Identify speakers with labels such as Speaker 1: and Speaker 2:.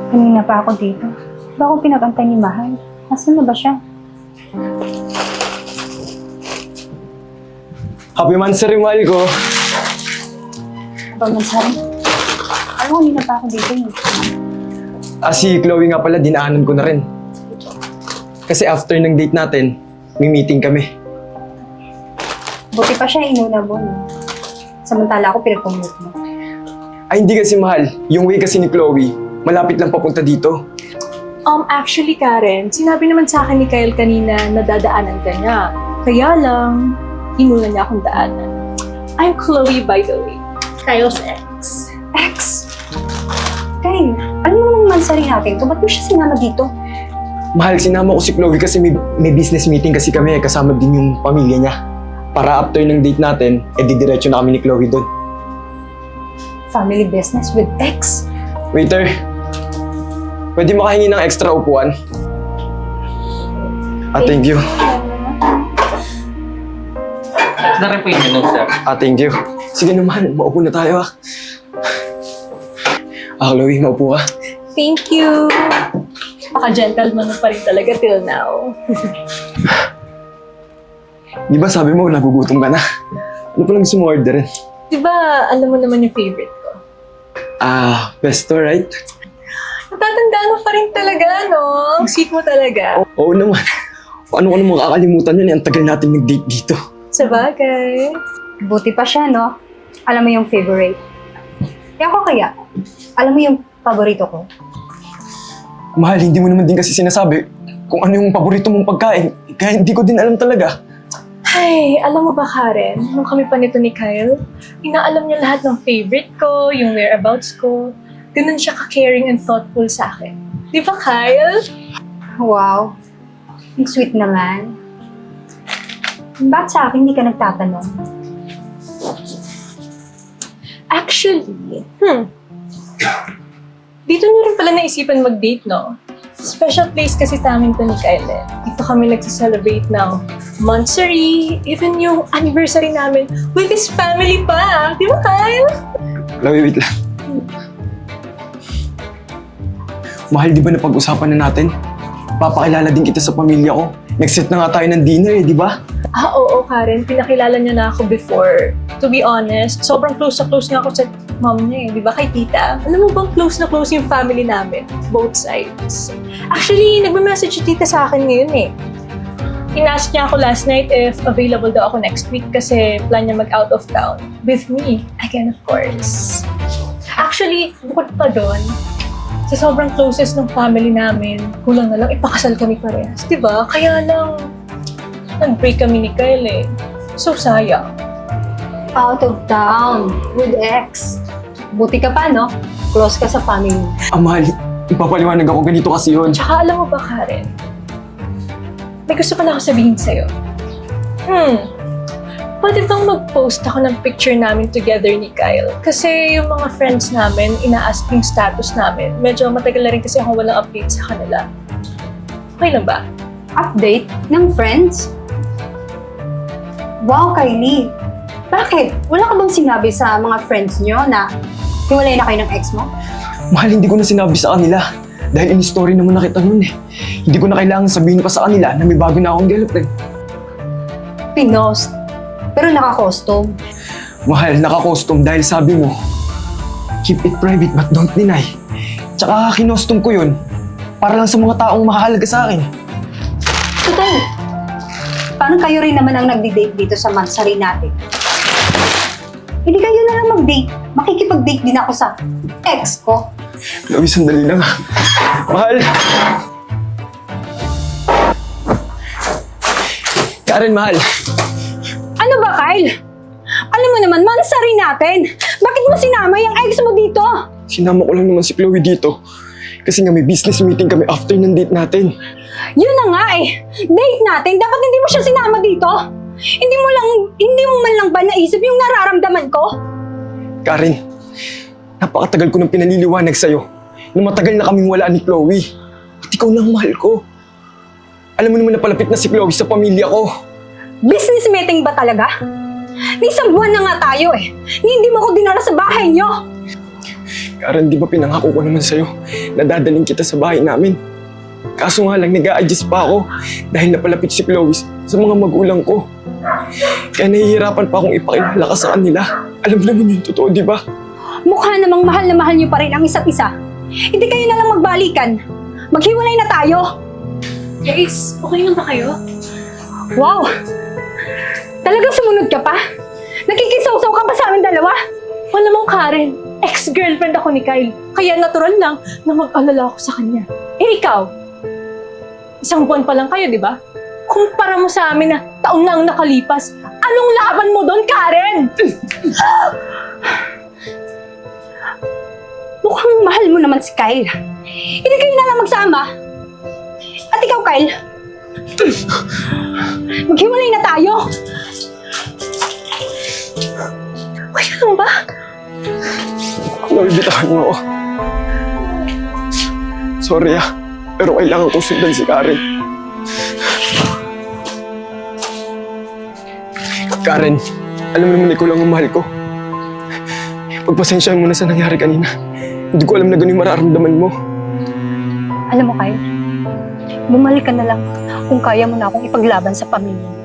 Speaker 1: Kanina pa ako dito. Ba akong pinag-antay ni Mahal? Nasaan na ba siya?
Speaker 2: Happy Mansari, mahal ko.
Speaker 1: Ba, Mansari? Alam ko, kanina pa ako dito eh.
Speaker 2: Si Chloe nga pala, dinaanan ko na rin. Kasi after ng date natin, may meeting kami.
Speaker 1: Buti pa siya inuna mo, no? Samantala ako pinag-commute mo.
Speaker 2: Ay, hindi kasi mahal. Yung way kasi ni Chloe, malapit lang papunta dito.
Speaker 3: Actually, Karen, sinabi naman sa akin ni Kyle kanina na dadaanan ka niya. Kaya lang, inuna niya akong daanan. I'm Chloe, by the way. Kyle's ex.
Speaker 1: Ex! Kyle, alam mo namang Mansari natin to, ba't mo siya sinama dito?
Speaker 2: Mahal, sinama ko si Chloe kasi may business meeting kasi kami, kasama din yung pamilya niya. Para after ng date natin, didiretso na kami ni Chloe doon.
Speaker 1: Family business with ex?
Speaker 2: Waiter, pwede makahingi ng extra upuan? Thank you.
Speaker 4: Na rin po yung menu, sir.
Speaker 2: Thank you. Sige naman, maupo na tayo Chloe, maupo ka.
Speaker 3: Thank you. Paka-gentleman mo pa rin talaga till now.
Speaker 2: Di ba sabi mo, nagugutom ka na? Ano palang gusto mo orderin?
Speaker 3: Diba, alam mo naman yung favorite ko?
Speaker 2: Pesto, right?
Speaker 3: Natatandaan mo pa rin talaga, no? Ang sweet mo talaga.
Speaker 2: Oo naman. Paano ko naman kakalimutan yun? Ang tagal natin nag-date dito.
Speaker 3: Sabagay.
Speaker 1: Buti pa siya, no? Alam mo yung favorite. Ako kaya, alam mo yung paborito ko?
Speaker 2: Mahal, hindi mo naman din kasi sinasabi kung ano yung paborito mong pagkain. Kaya hindi ko din alam talaga.
Speaker 3: Ay, alam mo ba, Karen, nung kami pa nito ni Kyle, inaalam niya lahat ng favorite ko, yung whereabouts ko. Ganun siya ka-caring and thoughtful sa akin. Di ba, Kyle?
Speaker 1: Wow, ang sweet naman. Bakit sa akin hindi ka nagtatanong?
Speaker 3: Actually, dito niyo rin pala naisipan mag-date, no? Special place kasi namin to ni Kyle. Dito kami nagsa-celebrate ng monthsary, even yung anniversary namin with his family pa. Di ba, Kyle?
Speaker 2: Chloe, wait lang. Mahal, di ba napag-usapan na natin? Papakilala din kita sa pamilya ko. Nag-set na nga tayo ng dinner di ba?
Speaker 3: Oo, Karen. Pinakilala niya na ako before. To be honest, sobrang close na close nga ako sa mom niya di ba, kay tita? Alam mo bang close na close yung family namin? Both sides. Actually, nagme-message si tita sa akin ngayon Inask niya ako last night if available daw ako next week kasi plan niya mag-out of town. With me. Again, of course. Actually, bukod pa doon, sa sobrang closest ng family namin, kulang na lang ipakasal kami parehas. Diba? Kaya lang, nag-break kami ni Kyle So, sayang.
Speaker 1: Out of town, with ex. Buti ka pa, no? Close ka sa family.
Speaker 2: Mahal, ipapaliwanag ako ganito kasi yun.
Speaker 3: Tsaka alam mo ba, Karen? May gusto pa na ako sabihin sa'yo. Pwede bang mag-post ako ng picture namin together ni Kyle? Kasi yung mga friends namin, ina-ask yung status namin. Medyo matagal na rin kasi akong walang update sa kanila. Okay lang ba?
Speaker 1: Update ng friends? Wow, Kylie. Bakit? Wala ka bang sinabi sa mga friends nyo na hiwalay na kayo ng ex mo?
Speaker 2: Mahal, hindi ko na sinabi sa kanila. Dahil in-story naman na kita nun Hindi ko na kailangan sabihin pa sa kanila na may bago na akong girlfriend.
Speaker 1: Pinost. Pero naka-costume.
Speaker 2: Mahal, naka-custom dahil sabi mo, keep it private but don't deny. Tsaka kinostom ko yun para lang sa mga taong mahalaga sa akin.
Speaker 1: Total, parang kayo rin naman ang nagdi-date dito sa Mansari natin. Hindi kayo na lang mag-date. Makikipag-date din ako sa ex ko.
Speaker 2: Chloe, sandali lang Mahal! Karen, mahal.
Speaker 1: Ano ba, Kyle? Alam mo naman, Mansari natin. Bakit mo sinama yung ex mo dito?
Speaker 2: Sinama ko lang naman si Chloe dito. Kasi nga may business meeting kami after ng date natin.
Speaker 1: Yun na nga Date natin. Dapat hindi mo siya sinama dito. Hindi mo man lang ba naisip yung nararamdaman ko?
Speaker 2: Karen, napakatagal ko nang pinaliliwanag sa'yo na matagal na kaming wala ni Chloe. At ikaw lang mahal ko. Alam mo naman na palapit na si Chloe sa pamilya ko.
Speaker 1: Business meeting ba talaga? Ni isang buwan na nga tayo Ni hindi mo ko dinala sa bahay niyo.
Speaker 2: Karen, di ba pinangako ko naman sa'yo na dadaling kita sa bahay namin? Kaso nga lang, nag-a-adjust pa ako dahil napalapit si Chloe sa mga magulang ko. Kaya nahihirapan pa akong ipakilala ka sa kanila. Alam mo naman yung totoo, di ba?
Speaker 1: Mukha namang mahal na mahal niyo pa rin ang isa't isa. Hindi kayo na lang magbalikan. Maghiwalay na tayo.
Speaker 3: Guys, okay lang ba kayo?
Speaker 1: Wow! Talagang sumunod ka pa? Nakikisaw-saw ka pa sa amin dalawa?
Speaker 3: Malamang Karen, ex-girlfriend ako ni Kyle. Kaya natural lang na mag-alala ako sa kanya. Eh ikaw, isang buwan pa lang kayo, di ba? Kumpara mo sa amin na taon na ang nakalipas. Anong laban mo doon, Karen?
Speaker 1: Mukhang mahal mo naman si Kyle. Hindi kayo na lang magsama. At ikaw, Kyle, maghiwalay na tayo.
Speaker 3: Okay lang ba?
Speaker 2: Chloe, bitahan mo ako. Sorry pero kailangan ko sundan si Karen. Karen, alam mo naman ikaw lang ang mahal ko. Pagpasensyahan mo na sa nangyari kanina. Hindi ko alam na ganun yung mararamdaman mo.
Speaker 1: Alam mo, Kyle, bumalik ka na lang kung kaya mo na akong ipaglaban sa pamilya.